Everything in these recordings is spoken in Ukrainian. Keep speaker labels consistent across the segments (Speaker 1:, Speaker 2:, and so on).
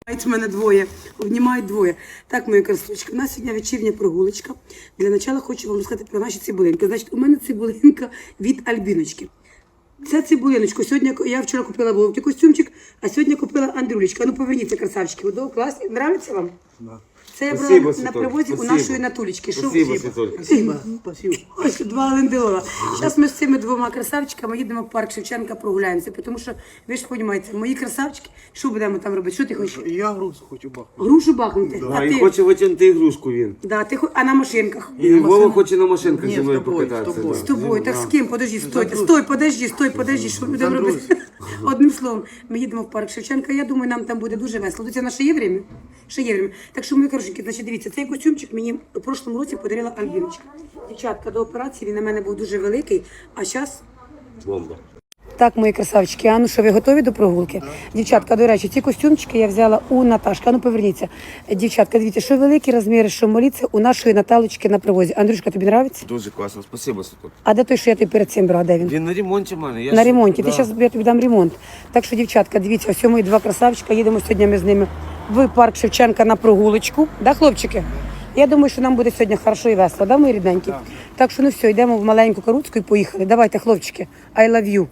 Speaker 1: Мене двоє, обнімають двоє. Так, мої красочки, у нас сьогодні вечірня прогулочка. Для початку хочу вам розказати про наші цибулинки. Значить, у мене цибулинка від Альбіночки. Це цибулиночку. Сьогодні я вчора купила Вовті костюмчик, а сьогодні купила Андрюлечка. Ну поверніться, красавчики. Ви до класні. Нравиться вам?
Speaker 2: Да.
Speaker 1: Це я брала на привозі у нашої Натулечки.
Speaker 2: Спасибо.
Speaker 1: Спасибо. Ось два лендилова. Зараз ми з цими двома красавчиками їдемо в парк Шевченка, прогуляємося, тому що, ви ж розумієте, мої красавчики, що будемо там робити? Що ти хочеш?
Speaker 2: Я грушу хочу бахнути.
Speaker 1: Грушу бахнути?
Speaker 2: Да,
Speaker 1: А
Speaker 2: і
Speaker 1: ти?
Speaker 2: хоче витягнути ігрушку він.
Speaker 1: Да, а на машинках?
Speaker 2: І Вова хоче на машинках зі мною
Speaker 3: з тобою,
Speaker 2: покататися.
Speaker 3: з тобою.
Speaker 1: З тобою, так з ким? Подожди, стой, подожди, що ми будемо робити? Одним словом, ми їдемо в парк Шевченка, я думаю, нам там буде дуже весело. Це наше є время? Ще є время. Так що, мої хорошенькі, значить, дивіться, цей костюмчик мені у прошлому році подарила Альбіночка. Дівчатка, до операції він на мене був дуже великий, а зараз...
Speaker 2: Бомба.
Speaker 1: Так, мої красавчики, а ну що, ви готові до прогулки? Дівчатка, до речі, ці костюмчики я взяла у Наташки. А ну поверніться. Дівчатка, дивіться, що великі розміри, що малі, це у нашої Наталочки на привозі. Андрюшка, тобі подобається?
Speaker 2: Дуже класно, спасибо, Святок.
Speaker 1: А де той, що я тобі перед цим брала, де він?
Speaker 2: Він на ремонті в мене.
Speaker 1: На ремонті. Ти зараз я тобі дам ремонт. Так що, дівчатка, дивіться, ось мої два красавчика. Їдемо сьогодні ми з ними в парк Шевченка на прогулочку. Да, хлопчики? Я думаю, що нам буде сьогодні хорошо і весело, да, мої рідненькі? Так що, ну все, йдемо в маленьку Каруцьку і поїхали. Давайте, хлопчики, I love you.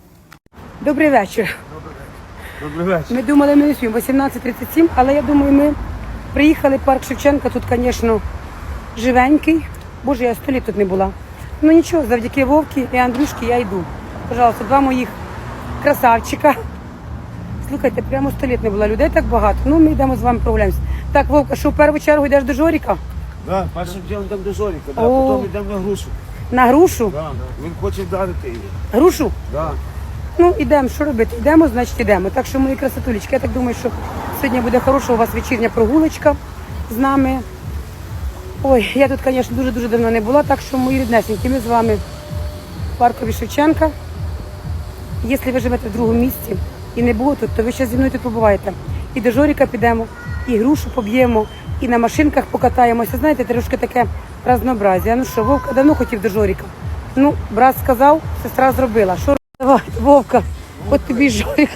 Speaker 1: Добрий вечір.
Speaker 2: Добрий вечір.
Speaker 1: Ми думали, ми не спіємо 18:37, але я думаю, ми приїхали в парк Шевченка. Тут, звісно, живенький. Боже, я 100 літ тут не була. Ну нічого, завдяки Вовки і Андрюшки я йду. Пожалуйста, два моїх красавчика. Слухайте, прямо 100 літ не було людей так багато. Ну, ми йдемо з вами прогуляємося. Так, Вовка, що в першу чергу йдеш до Жоріка?
Speaker 2: Да, першим ділом йдемо до Жоріка, да,
Speaker 1: О.
Speaker 2: потім йдемо на грушу.
Speaker 1: На грушу?
Speaker 2: Да, да. Він хоче вдарити її.
Speaker 1: Грушу?
Speaker 2: Да.
Speaker 1: Ну, ідемо, що робити? Йдемо, значить йдемо. Так що, мої красотулечки, я так думаю, що сьогодні буде хороша у вас вечірня прогулочка з нами. Ой, я тут, звісно, дуже-дуже давно не була, так що, мої ріднесенькі, ми з вами в паркові Шевченка. Якщо ви живете в другому місці і не було тут, то ви ще зі мною тут побуваєте. І до Жоріка підемо, і грушу поб'ємо, і на машинках покатаємося. Знаєте, трошки таке разнообразія. Ну що, Вовка давно хотів до Жоріка. Ну, брат сказав, сестра зробила. Що давай, Вовка, от тобі Жорик.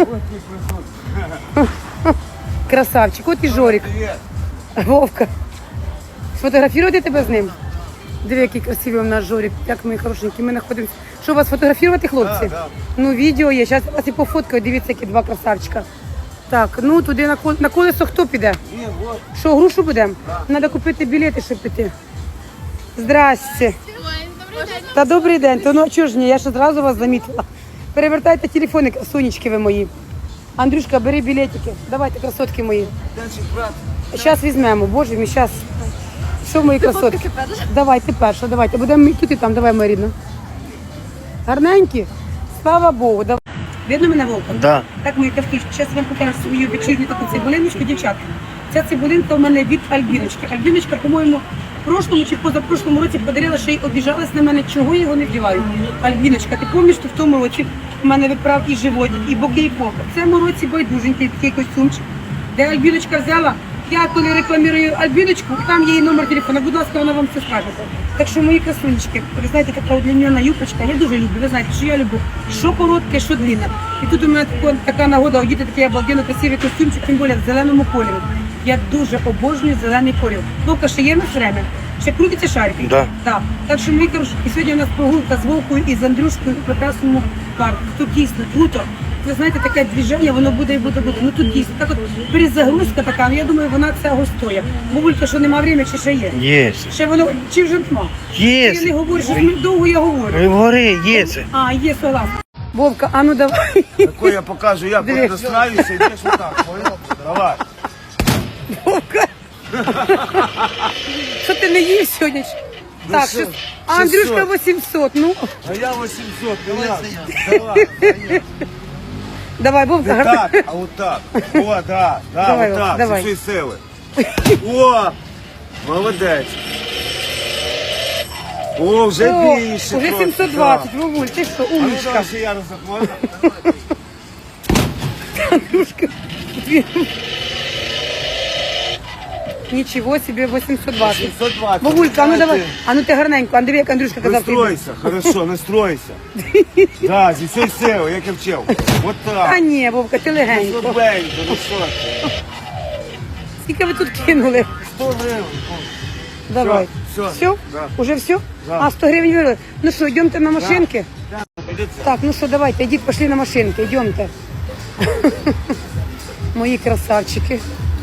Speaker 1: Красавчик, от і Жорик. Вовка, сфотографувати тебе з ним? Диви, який красивий у нас Жорик, як ми хорошенькі, ми знаходимося. Що, вас фотографувати, хлопці?
Speaker 2: Да.
Speaker 1: Ну, відео є, зараз вас і пофоткаю, дивіться, які два красавчика. Так, ну туди на колесо хто піде?
Speaker 2: Ні, вот.
Speaker 1: Що, грушу будемо? Треба купити білети, щоб піти. Здрасте. Та добрий день, то ну а чого ж ні, я ж одразу вас замітила. Перевертайте телефони, сонечки ви мої. Андрюшка, бери білетики. Давайте, красотки мої.
Speaker 2: Денчик, брат.
Speaker 1: Зараз візьмемо, боже мій, зараз. Що мої красотки? Давай, ти перша, давайте. Будемо і тут і там, давай, моя рідна. Гарненькі? Слава Богу. Давай. Видно мене, Вовка?
Speaker 3: Да.
Speaker 1: Так, мої кавкішки, зараз вам покажу свою вечірню таку цибулиночку, дівчатка. Ця цибулинка у мене від Альбіночки. Альбіночка, по-моєму, в прошлому чи позапрошлому році подарила, що й обіжалась на мене, чого я його не вдіваю. Альбіночка, ти пам'ятаєш, що в тому році в мене виправ і животик, і боки, і попа. В цьому році байдуженький такий костюмчик, де Альбіночка взяла. Я коли рекламую Альбіночку, там є її номер телефону, будь ласка, вона вам все скаже. Так що, мої красунечки, ви знаєте, така удлінена юбочка, я дуже люблю, ви знаєте, що я люблю, що коротке, що длинне. І тут у мене така нагода одіти такий обалденно красивий костюмчик, тим більше в зеленому кольорі. Я дуже обожнюю зелений колір. Вовка, ще є на время? Ще крутиться шарики?
Speaker 3: Да.
Speaker 1: Так. Так що, мої хороші, і сьогодні у нас прогулка з Вовкою і з Андрюшкою у прекрасному парку. Тут дійсно круто. Ви знаєте, таке движення, воно буде і буде. Ну тут дійсно, так от перезагрузка така, ну я думаю, вона цього стоїть. Бабулька, що нема времени, чи ще є?
Speaker 3: Є.
Speaker 1: Ще воно, чи вже нема?
Speaker 3: Є.
Speaker 1: Я не говорю, що довго я говорю.
Speaker 3: Ви вгори, є це.
Speaker 1: А, є, согласна. Вовка, а ну давай.
Speaker 2: Тако я покажу, як от настраюся, йдеш отак, понял? Давай.
Speaker 1: Вовка. Що ти не їв сьогодні? Так,
Speaker 2: що,
Speaker 1: що... А Андрюшка
Speaker 2: 600.
Speaker 1: 800, ну.
Speaker 2: А я 800, давай.
Speaker 1: Давай, Вовка,
Speaker 2: Не
Speaker 1: гарно.
Speaker 2: так, а отак. О, да,
Speaker 1: Давай,
Speaker 2: отак,
Speaker 1: давай.
Speaker 2: зі всієї сили. О, молодець. О, вже
Speaker 1: О,
Speaker 2: більше.
Speaker 1: уже
Speaker 2: трохи,
Speaker 1: 720,
Speaker 2: да.
Speaker 1: Вовуль, ти що,
Speaker 2: А ну
Speaker 1: умничка.
Speaker 2: давай ще я разок можна?
Speaker 1: Андрюшка. Нічого собі, 820.
Speaker 2: 720.
Speaker 1: Бабулька, а ну давай,
Speaker 2: Знаєте,
Speaker 1: а ну ти гарненько, Андрій, як Андрюшка казав. ти йди.
Speaker 2: Настройся, хорошо, настройся. Да, зі всієї сили, як я вчив. Вот
Speaker 1: А
Speaker 2: так.
Speaker 1: ні, Вовка, ти легенько.
Speaker 2: Слабенько, ну що ти?
Speaker 1: Скільки ви тут кинули?
Speaker 2: 100 гривень.
Speaker 1: Давай.
Speaker 2: Всё,
Speaker 1: Все?
Speaker 2: да.
Speaker 1: Уже все?
Speaker 2: Да.
Speaker 1: А, 100 гривень вирили. Ну що, йдемте на машинки?
Speaker 2: Дивіться.
Speaker 1: Так, ну що, давайте, йдіть, пошли на машинки, йдемте. Мої красавчики.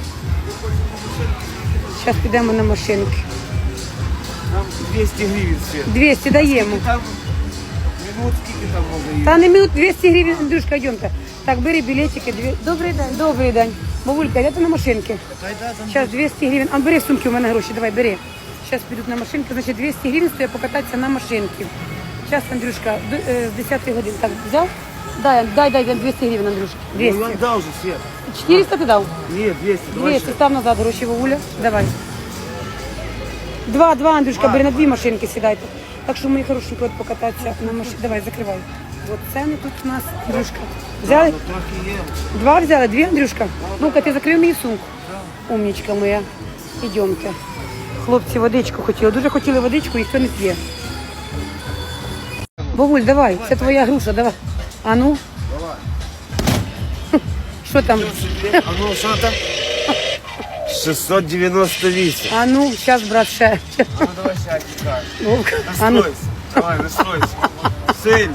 Speaker 1: Зараз підемо на машинки.
Speaker 2: Там 200 гривень світ.
Speaker 1: 200 даємо.
Speaker 2: Там минут скільки там може їсти?
Speaker 1: Та не минут 200 гривень, Андрюшка, йдемте. Так, бери білетики. Добрий день. Добрий день. Бабулька, йдете на машинки? Зараз 200 гривень. А бери в сумки, у мене гроші, давай, бери. Зараз підуть на машинки, значить 200 гривень стоїть покататися на машинки. Зараз, Андрюшка, з 10 годин. Так, взяв? Дай 200 гривень, Андрюшка.
Speaker 2: Ну,
Speaker 1: 200.
Speaker 2: я дав же світ.
Speaker 1: 400 ти дав?
Speaker 2: Ні, 200. Давай
Speaker 1: 200,
Speaker 2: ще.
Speaker 1: став назад гроші, Вовуля. Давай. Два, Андрюшка, бери на дві машинки сідайте. Так що, мої хорошенькі, от покататися на машині. Давай, закривай. От ціни тут у нас, Андрюшка. Взяли?
Speaker 2: Ну, трохи є.
Speaker 1: Два взяли, дві, Андрюшка? Ну-ка, ти закрив мені сумку. Умнічка моя. Ідемте. Хлопці водичку хотіли. Дуже хотіли водичку, ніхто не п'є. Бабуль, давай, це твоя груша, давай. А ну?
Speaker 2: Давай.
Speaker 1: Що там?
Speaker 2: А ну, що там? 698.
Speaker 1: А ну, зараз, брат, ще.
Speaker 2: А ну, давай сядь, чекай.
Speaker 1: Вовка, а ну.
Speaker 2: Настройся. Давай, настройся. Сильно.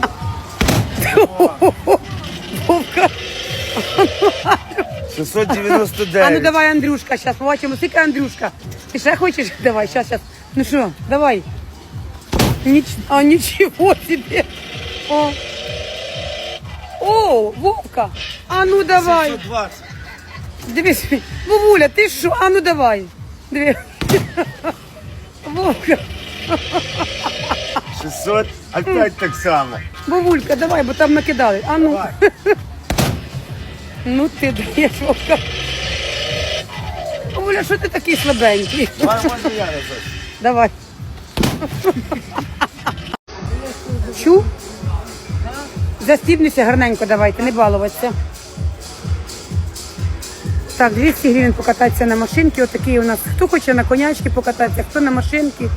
Speaker 1: Вовка.
Speaker 2: 699.
Speaker 1: А ну давай, Андрюшка, зараз побачимо, скільки Андрюшка. Ти ще хочеш? Давай, зараз. Ну що, давай. Нічого собі. О, Вовка. А ну давай.
Speaker 2: 720.
Speaker 1: Дивись, Вовуля, ти що? А ну давай. Диви. Вовка.
Speaker 2: 600. Опять так само.
Speaker 1: Вовулька, давай, бо там накидали. А ну.
Speaker 2: Давай.
Speaker 1: Ну ти даєш, Вовка. Вовуля, що ти такий слабенький?
Speaker 2: Давай, можна я разок.
Speaker 1: Давай. Чу? Застібнися гарненько давайте, не балуватися. Так, 200 гривень покататися на машинці. Отакі у нас. Хто хоче на конячки покататися, хто на машинці.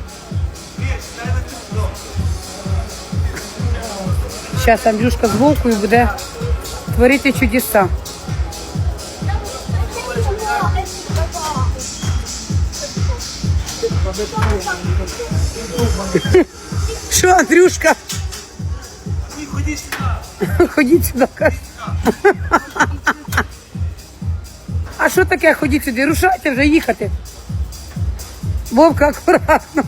Speaker 1: Зараз Андрюшка з Вовкою буде творити чудеса. Що, Андрюшка? Ходіть сюди, каже. А що таке ходіть сюди? Рушайте вже їхати. Вовка, акуратно.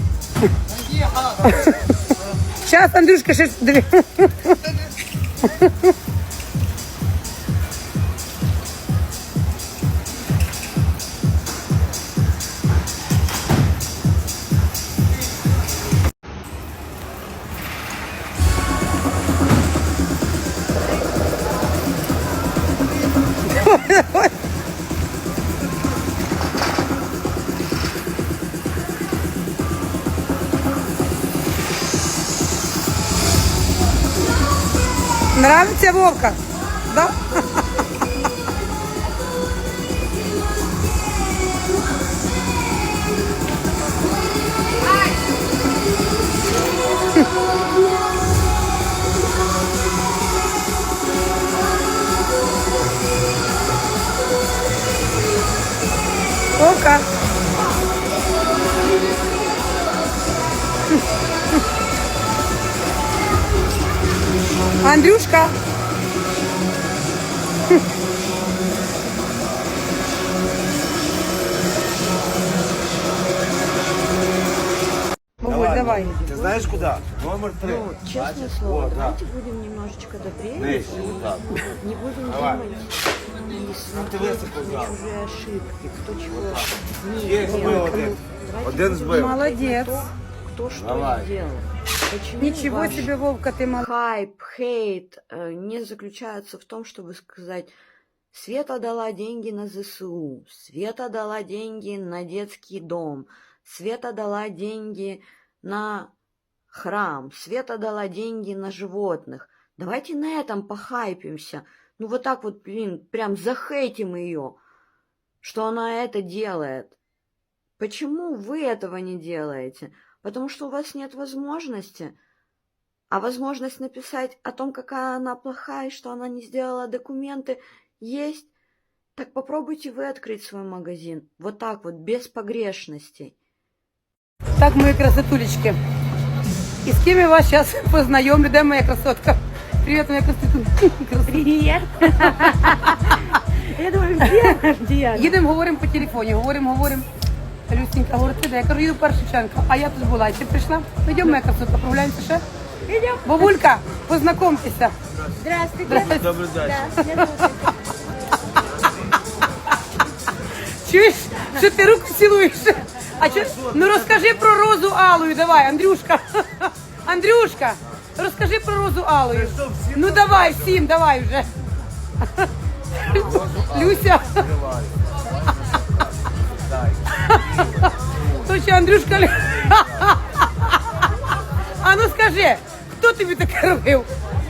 Speaker 1: Зараз, Андрюшка, ще диви. Нравиться, Вовка? Да? Вовка. Андрюшка. Бабуль, давай.
Speaker 2: Ты знаешь куда? Номер 3.
Speaker 3: Ну, честное слово,
Speaker 2: Вот, да.
Speaker 3: давайте будем немножечко добрее.
Speaker 2: Нижче, вот так.
Speaker 3: Не будем
Speaker 2: Давай.
Speaker 3: думать и
Speaker 2: ты
Speaker 3: смотреть
Speaker 2: высоко
Speaker 3: на
Speaker 2: взял.
Speaker 3: чужие ошибки, кто чего
Speaker 2: Є,
Speaker 3: не
Speaker 2: збив
Speaker 3: делал.
Speaker 2: один.
Speaker 3: Давайте
Speaker 2: Один
Speaker 3: будем
Speaker 2: збив.
Speaker 1: Молодец.
Speaker 3: кто что
Speaker 2: Давай.
Speaker 3: сделал. Почему
Speaker 1: Ничего
Speaker 3: ваш
Speaker 1: себе, Вовка, ты молодец.
Speaker 3: хайп, хейт не заключается в том, чтобы сказать: Света дала деньги на ЗСУ, Света дала деньги на детский дом, Света дала деньги на храм, Света дала деньги на животных. Давайте на этом похайпимся. Ну вот так вот, блин, прям захейтим ее, что она это делает. Почему вы этого не делаете? Потому что у вас нет возможности. А возможность написать о том, какая она плохая, и что она не сделала документы, есть. Так попробуйте вы открыть свой магазин. Вот так вот, без погрешностей.
Speaker 1: Так, мої красотулечки. І з ким я вас зараз познайомлю? Де моя красотка? Привіт, моя красотулечка.
Speaker 4: Привет. Я думаю, где?
Speaker 1: Їдемо, говоримо по телефоні, говоримо. Люсенька говорить, ти де? Я кажу, їду в Першиченка. А я тут була. І ти прийшла? Ну, йдемо, моя красотка, прогуляємося ще?
Speaker 4: Идем.
Speaker 1: Бабулька, познайомтеся.
Speaker 4: Здравствуйте.
Speaker 2: Добрий день.
Speaker 4: Да, меня зовут.
Speaker 1: Чуєш, що ти руку цілуєш? А чо? Ну розкажи про розу алою, давай, Андрюшка. Андрюшка, розкажи про розу алою. Ну давай, всім, давай вже. Люся. Точно, Андрюшка. А ну скажи, хто тобі таке робив?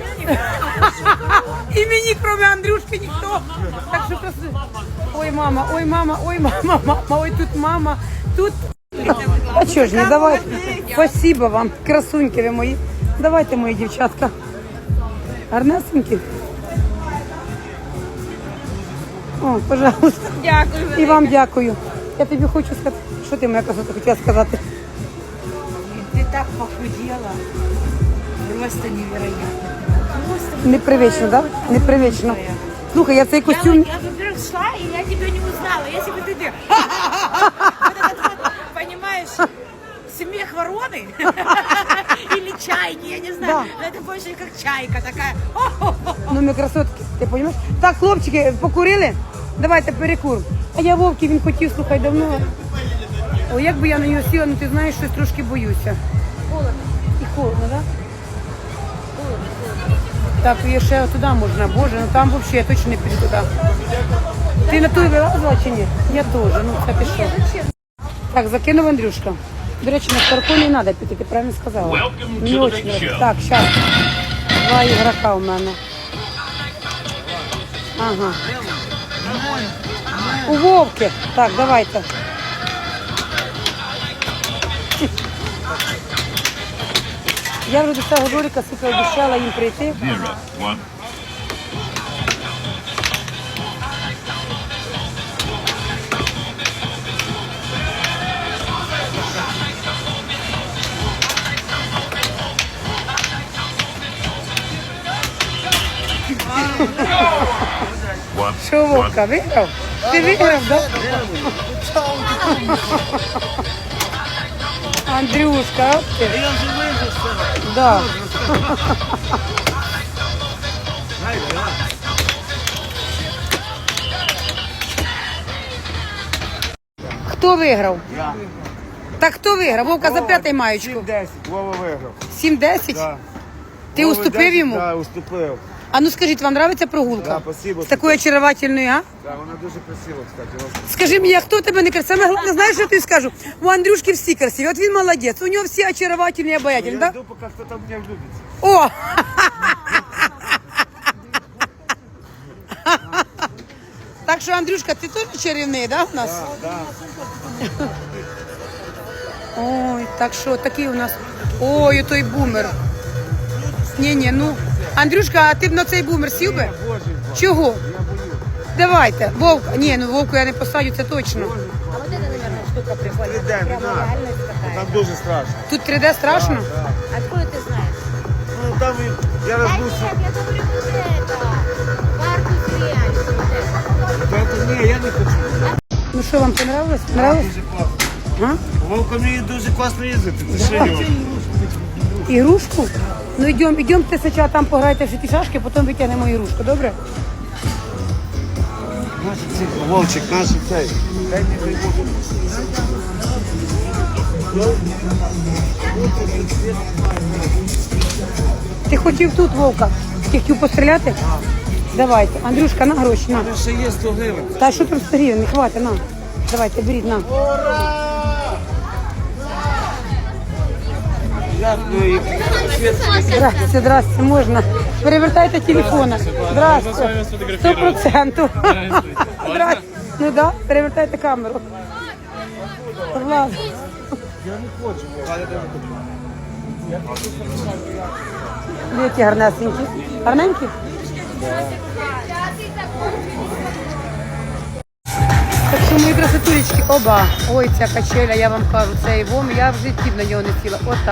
Speaker 1: І мені, крім Андрюшки, ніхто. Так що красиво. Ой, мама, ой, тут мама, тут. А чого ж не, давайте. Спасибо вам, красуньки ви мої. Давайте, мої дівчатка. Гарнесенькі. О, пожалуйста.
Speaker 4: Дякую.
Speaker 1: І вам дякую. Я тобі хочу сказати, що ти, моя красота, хотіла сказати?
Speaker 4: Ты так похудела. Просто невероятно. Просто
Speaker 1: Непривично, так? Да? Непривично. Слухай, я цей костюм...
Speaker 4: Я, во-первых, шла, и я тебя не узнала. Если бы ты... Вот этот вот, понимаешь, смех вороны или чайки, я не знаю.
Speaker 1: Да.
Speaker 4: Но это больше как чайка такая.
Speaker 1: Ну, ми красотки, ти розумієш? Так, хлопчики, покурили? Давайте перекур. А я Вовки, він хотів, слухай, давно. О, як би я на нього сіла, ну ти знаєш, щось трошки боюся.
Speaker 4: Холодно.
Speaker 1: І холодно, так? Да? Так, і ще туди можна, боже, ну там взагалі я точно не піду туди. Ти на той вилазила чи ні? Я теж, ну це ти що? Так, закинув Андрюшка. До речі, на Старку не треба піти, ти правильно сказала. Не очень. Так, зараз. Два ігрока у мене. Ага. У Вовки. Так, давайте. Я вже до цього Жоріка сука обіцяла їм прийти. Що, Вовка, виграв? Ти виграв, так? Андрюшка, от ти.
Speaker 2: Я вже вижив з цього.
Speaker 1: Да. Хто виграв?
Speaker 2: Я.
Speaker 1: Так хто виграв? Вовка за п'ятий маючку.
Speaker 2: 7-10, Вова виграв.
Speaker 1: 7-10?
Speaker 2: Да.
Speaker 1: Ти
Speaker 2: Вова
Speaker 1: уступив
Speaker 2: 10,
Speaker 1: йому?
Speaker 2: Да, уступив.
Speaker 1: А ну скажіть, вам подобається прогулка?
Speaker 2: Да, спасибо.
Speaker 1: З такою очаровательною, а?
Speaker 2: Да, вона дуже красива, кстати.
Speaker 1: Скажи мені, а хто в тебе не красивий? Саме головне, знаєш, що я тобі скажу? У Андрюшки всі красиві, от він молодець, у нього всі очаровательні і обаятельні,
Speaker 2: Я
Speaker 1: так?
Speaker 2: жду, поки хто там мене влюбиться.
Speaker 1: О! Так що, Андрюшка, ти теж чарівний, да, у нас?
Speaker 2: Да.
Speaker 1: Ой, так що, такий у нас. Ой, той бумер. Ні, ну. Андрюшка, а ти б на цей бумер сів би?
Speaker 2: Боже,
Speaker 1: Чого? Давайте. Вовка. Ні, ну Вовку я не посадю, це точно.
Speaker 4: А вот это, наверное, штука прикольная.
Speaker 2: 3D, не
Speaker 4: Прямо
Speaker 2: надо.
Speaker 4: реальность
Speaker 2: Там
Speaker 4: такая.
Speaker 2: дуже страшно.
Speaker 1: Тут 3D страшно?
Speaker 2: Да.
Speaker 4: Откуда ты знаешь?
Speaker 2: Ну, там я розбувся.
Speaker 4: я говорю вот это. Карту реальность. Вот это.
Speaker 2: Ні, я не хочу.
Speaker 1: Ну що, вам понравилось? Понравилось?
Speaker 2: Дуже класно.
Speaker 1: А?
Speaker 2: Вовка вміє дуже класно їздити. Ти що його?
Speaker 1: Ігрушку? Ну йдемо ти спочатку там пограйте в ті шашки, потім витягнемо ігрушку, добре?
Speaker 2: Вовчик, наш цей. Дай мені той Вовчик.
Speaker 1: Ти хотів тут, Вовка? Ти хотів постріляти? Давайте. Андрюшка, на гроші, на.
Speaker 2: Ще є 100 гривень.
Speaker 1: Та що там 100 гривень? Не хватить, на. Давайте, беріть, на.
Speaker 2: Дякую.
Speaker 1: Здрасте, можна. Перевертайте телефона. Здрасте. 100%. Здрасте. Ну да, перевертайте камеру. Влад. Які гарнесенькі. Гарненькі? мої красотулечки, оба. Ой, ця качеля, я вам кажу, цей вом, я в житті на нього не сіла. Отак.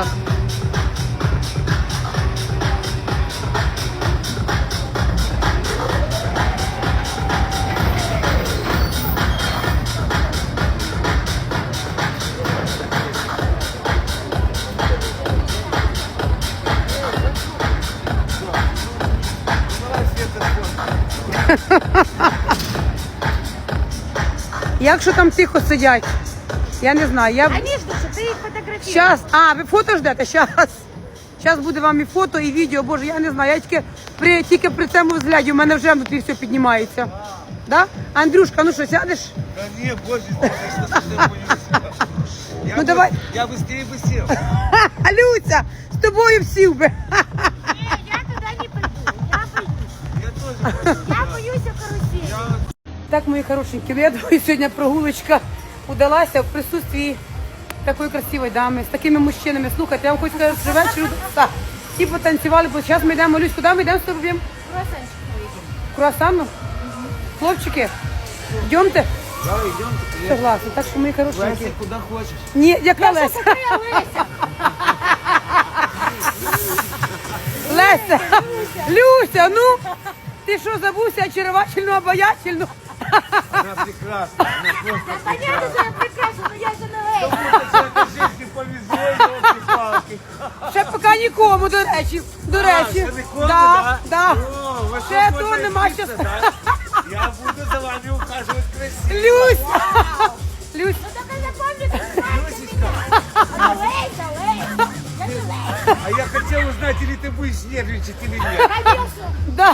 Speaker 1: Як що там тихо сидять? Я не знаю. Я...
Speaker 4: Конечно же, ты их фотографируешь.
Speaker 1: Щас, ви фото ждете? Щас буде вам і фото, і відео. Боже, я не знаю. Я тільки при цьому взгляді, у мене вже внутрі все піднімається. Да? Андрюшка, ну що, сядеш?
Speaker 2: Да не, боже, конечно, совсем боюсь.
Speaker 1: Ну, давай.
Speaker 2: Я быстрее бы сел.
Speaker 1: Люся, з тобою всів би.
Speaker 4: Не, я туда не пойду. Я боюсь.
Speaker 2: Я тоже боюсь.
Speaker 4: Я боюсь карусели.
Speaker 1: Так, мої хорошенькі, ну я думаю, сьогодні прогулочка удалася в присутствии такої красивої дами, з такими мужчинами. Слухайте, я вам хочу сказати, що вечір всі потанцювали, бо зараз ми йдемо, Люсь, куди ми йдемо з тобою?
Speaker 4: Круассанчик поедем.
Speaker 1: Круасану? Хлопчики, йдемте?
Speaker 2: Да, идем.
Speaker 1: Согласна, так що мої хорошенькі.
Speaker 2: Леся, куда хочешь.
Speaker 1: Ні, яка Леся? Леся, Люся, ну, ти що, забувся очаровательну, обаятельну?
Speaker 2: Она прекрасна. Она просто
Speaker 4: Понятно, что я прекрасна, но я же на Лейсе.
Speaker 2: прекрасна. Жизни повезло, елки-палки.
Speaker 1: Ще поки нікому, до речі. До речі.
Speaker 2: Ще нікому,
Speaker 1: да, да.
Speaker 2: О, ви що,
Speaker 1: Ще
Speaker 2: можна
Speaker 1: то нема
Speaker 2: вчитися,
Speaker 1: щас.
Speaker 2: да? Я буду за вами ухаживать красиво.
Speaker 1: Люсь! Люсь,
Speaker 4: Ну только запомни, как
Speaker 2: Люсечка,
Speaker 4: Лейса, Лейса. Я не Лейса.
Speaker 2: а я хотел узнать, или ты будешь нервничать, или нет.
Speaker 4: Конечно.
Speaker 1: да.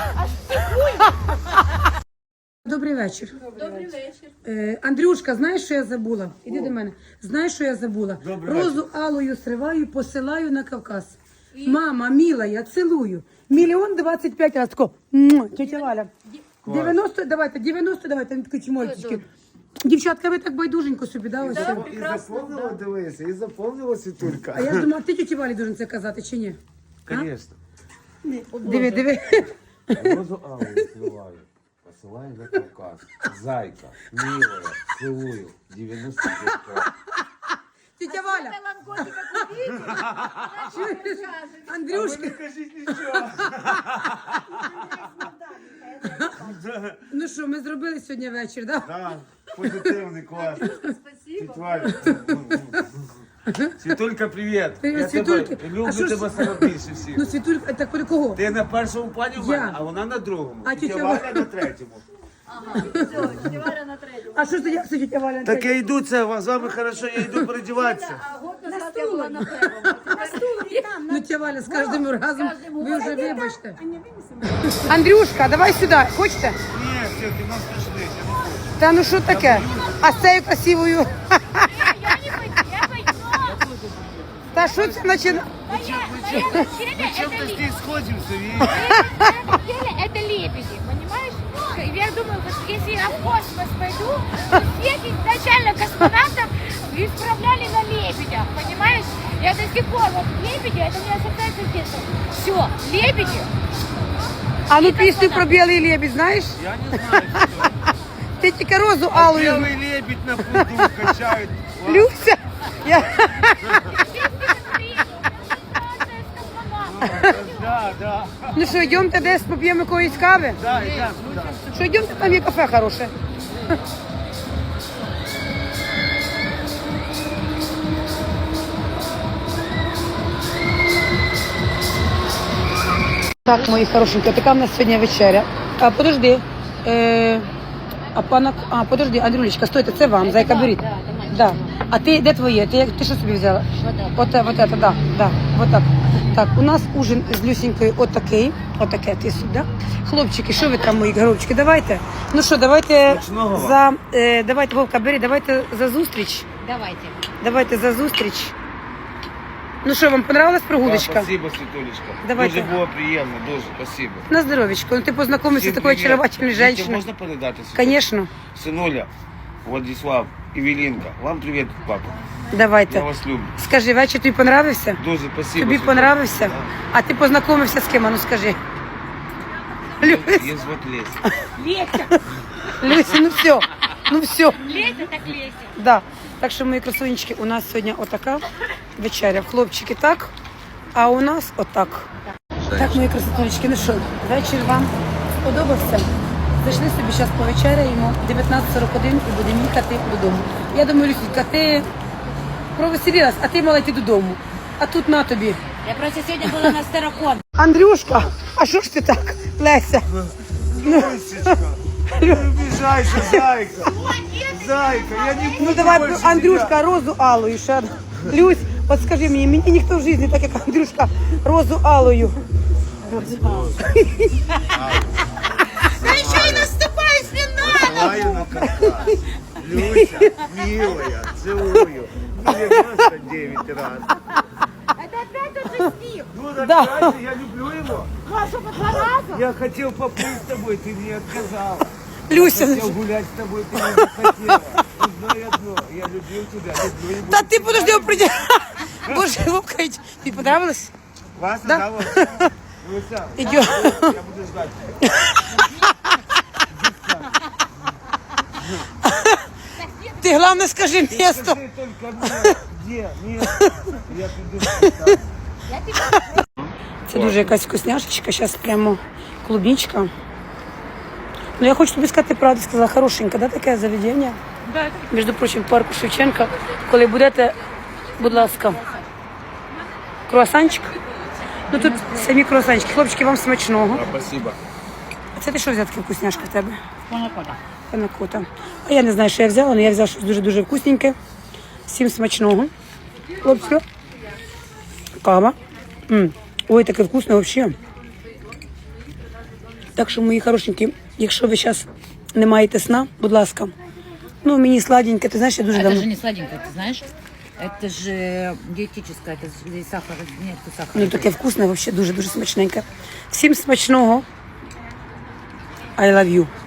Speaker 1: Добрий вечір. Добрий вечір. Андрюшка, знаєш, що я забула? Іди до мене. Знаєш, що я забула?
Speaker 2: Добрий
Speaker 1: Розу алою сриваю, посилаю на Кавказ. Мама, мила, я цілую. 1,025 разів. Тако. Муа. Тетя Валя. 90, давайте, не такі чмольчики. Дівчатка, ви так байдуженько собі, да, ось?
Speaker 2: И запомнила, дивися, и запомнила, Светулька.
Speaker 1: А я ж думала, ти тіті Валі должен це казати, чи ні?
Speaker 2: Конечно.
Speaker 1: Диви.
Speaker 2: Розу алую сливаю, посылаю на Кавказ. Зайка, милая, целую, 95 раз.
Speaker 1: Тетя Валя,
Speaker 4: Меланкотика купить.
Speaker 1: чуєш? Андрюшка,
Speaker 2: Кажіть нічого.
Speaker 1: ну що, ми зробили сьогодні вечір, да?
Speaker 2: Да, позитивний, класний. Спасибо. Світулька, привіт.
Speaker 1: Привіт,
Speaker 2: Я
Speaker 1: Світульки.
Speaker 2: тебе
Speaker 1: А
Speaker 2: люблю
Speaker 1: що ж-
Speaker 2: тебе саме більше всіх.
Speaker 1: Ну, Світулька, так коли кого?
Speaker 2: Ти на першому плані в
Speaker 1: Я.
Speaker 2: мене, а вона на другому.
Speaker 1: А
Speaker 2: Тетя
Speaker 1: тетя
Speaker 2: Валя
Speaker 1: Валя?
Speaker 2: на третьому.
Speaker 1: А що ж тоді, все, тетя Валя?
Speaker 2: Так я йду, це з вами хорошо, я йду передіватися.
Speaker 1: Ну, тетя Валя, з кожним разом ви вже вибачте. Андрюшка, давай сюди, хочете?
Speaker 2: Ні, все, ти нас пішли.
Speaker 1: Та ну що таке? А з цією красивою?
Speaker 4: Я не пойду, я пойду.
Speaker 1: Та що це починає?
Speaker 4: На этом деле
Speaker 2: Чим-то
Speaker 4: это
Speaker 2: здесь сходимося, видите?
Speaker 4: на этом деле это лебеди, понимаешь? Я думаю, вот если я в космос пойду, то всех изначально космонавтов исправляли на лебедях, понимаешь? Я до сих пор, вот лебеди, это не ассоциация с детства. Все, лебеди.
Speaker 1: А ну пісню про білий лебідь, знаєш?
Speaker 2: Я не знаю, що.
Speaker 1: Ти тільки розу алою.
Speaker 2: Белый лебедь на пруду качает.
Speaker 1: Люся, я...
Speaker 2: Да, да.
Speaker 1: Ну що, йдемте десь поп'ємо якоїсь кави?
Speaker 2: Да, идем туда.
Speaker 1: Що, йдемте, там є кафе хороше. Так, мої хорошенькі, така в нас сьогодні вечеря. А, подожди. Подожди, Андрюлечка, стойте, це вам, зайка, беріть. Да. А ти, де твоє? Ти що собі взяла? Вот это, да, вот так. Так, у нас ужин з Люсенькою отаке, ти сюди. Хлопчики, що ви там, мої горобчики, давайте. Ну що, давайте
Speaker 2: Смачного
Speaker 1: давайте, Вовка, бери, давайте за зустріч.
Speaker 4: Давайте.
Speaker 1: Давайте за зустріч. Ну що, вам понравилась
Speaker 2: Да,
Speaker 1: прогулочка?
Speaker 2: спасибо, Светулечка.
Speaker 1: Давайте.
Speaker 2: Дуже було приємно, дуже спасибо.
Speaker 1: На здоровечко. Ну ти познайомився з
Speaker 2: Всім
Speaker 1: такою
Speaker 2: привіт.
Speaker 1: очаровательною
Speaker 2: Дітям
Speaker 1: жінкою.
Speaker 2: можна передати? Світулечка?
Speaker 1: Конечно.
Speaker 2: Синуля, Владислав, Івелінка, вам привіт, папа. Я
Speaker 1: Давайте.
Speaker 2: вас люблю.
Speaker 1: Скажи, вечір тобі понравився?
Speaker 2: Дуже спасибо.
Speaker 1: Тобі
Speaker 2: Світулечка.
Speaker 1: понравився?
Speaker 2: Да.
Speaker 1: А ти познайомився з ким? А ну скажи. Люся,
Speaker 2: Є звати Леся.
Speaker 1: Люся, ну все. Ну все.
Speaker 4: Лезет, так лезет.
Speaker 1: Да. Так що, мої красунечки, у нас сьогодні отака вечеря. Хлопчики так, а у нас отак. Так, мої красотулечки, ну що, вечір вам сподобався? Зайшли собі зараз повечеряємо, 19:41 і будемо їхати додому. Я думаю, Люсінька, ти провеселилась, а ти мала йти додому. А тут на тобі.
Speaker 5: Я просто сегодня была на Старокон.
Speaker 1: Андрюшка, а що ж ти так, Леся?
Speaker 2: Люсечка, не обижайся, зайка. Зайка, я не буду
Speaker 1: Ну давай,
Speaker 2: больше
Speaker 1: Андрюшка, розу алою ще. Люсь, от скажи мені ніхто в житті так, як Андрюшка, розу алою.
Speaker 2: Целую на каркас. Люся, милая, целую. 99 раз.
Speaker 4: Это опять тот же стих.
Speaker 2: Ну, так
Speaker 1: Да.
Speaker 2: дальше, я люблю его.
Speaker 4: Маша, по 2 раза.
Speaker 2: Я хотел поплыть с тобой, ты мне отказал.
Speaker 1: Люся,
Speaker 2: Хотел гулять с тобой, ты не захотела. Одно и одно. Я любил тебя, люблю и буду.
Speaker 1: та ти подожди, прийди. Боже, Вовка, тобі понравилось?
Speaker 2: Вас
Speaker 1: Да.
Speaker 2: да? Люся,
Speaker 1: Идем.
Speaker 2: я буду ждать.
Speaker 1: Ти головне скажи місто.
Speaker 2: Скажи только мне, где место. Я приду.
Speaker 1: Це дуже якась вкусняшечка, зараз прямо клубничка. Ну я хочу тобі сказати правду, сказала, хорошенька, да, таке заведення?
Speaker 4: Да.
Speaker 1: Між прочим, в парку Шевченка. Коли будете, будь ласка, круасанчик. Ну тут самі круасанчики. Хлопчики, вам смачного.
Speaker 2: Спасибо.
Speaker 1: А це ти що взяв таке вкусняшка в тебе?
Speaker 5: Панакота.
Speaker 1: Панакота. А я не знаю, що я взяла, але я взяла щось дуже-дуже вкусненьке. Всім смачного. Хлопці. Кава. Ой, таке вкусне взагалі. Так що, мої хорошенькі, якщо ви зараз не маєте сна, будь ласка. Ну, мені сладеньке, ти знаєш, я дуже
Speaker 5: Это
Speaker 1: давно.
Speaker 5: же не сладенькое, ты знаешь? Это же диетическое, это же здесь сахар, нет сахара.
Speaker 1: Ну, таке вкусне, взагалі дуже-дуже смачненьке. Всім смачного. I love you.